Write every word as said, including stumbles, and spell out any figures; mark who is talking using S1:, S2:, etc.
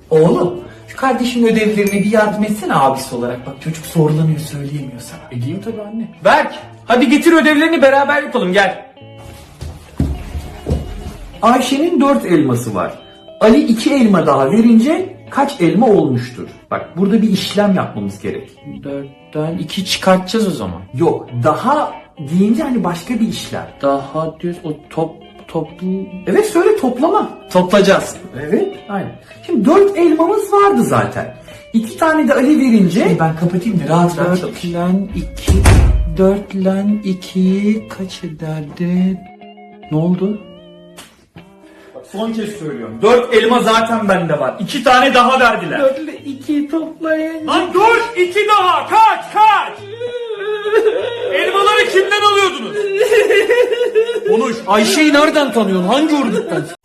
S1: Oğlum, şu kardeşimin ödevlerine bir yardım etsene abisi olarak. Bak çocuk zorlanıyor, söyleyemiyor sana.
S2: Edeyim tabii anne. Berk, hadi getir ödevlerini beraber yapalım, gel.
S1: Ayşe'nin dört elması var. Ali iki elma daha verince kaç elma olmuştur? Bak burada bir işlem yapmamız gerek.
S2: Dörtten iki çıkartacağız o zaman.
S1: Yok, daha deyince hani başka bir işlem.
S2: Daha diyoruz o top toplu
S1: Evet, söyle, toplama.
S2: toplayacağız.
S1: Evet, aynen. Şimdi dört elmamız vardı zaten. İki tane de Ali verince... Ben kapatayım da rahat rahat çalış.
S2: Dört lan iki, dört lan ikiyi kaç ederdi? Ne oldu?
S1: Son kez söylüyorum. Dört elma zaten bende var. İki tane daha verdiler.
S2: Dört ile ikiyi toplayın.
S1: Lan dur! İki daha! Kaç! Kaç! Elmaları kimden alıyordunuz?
S2: Konuş. Ayşe'yi nereden tanıyorsun? Hangi orduktan?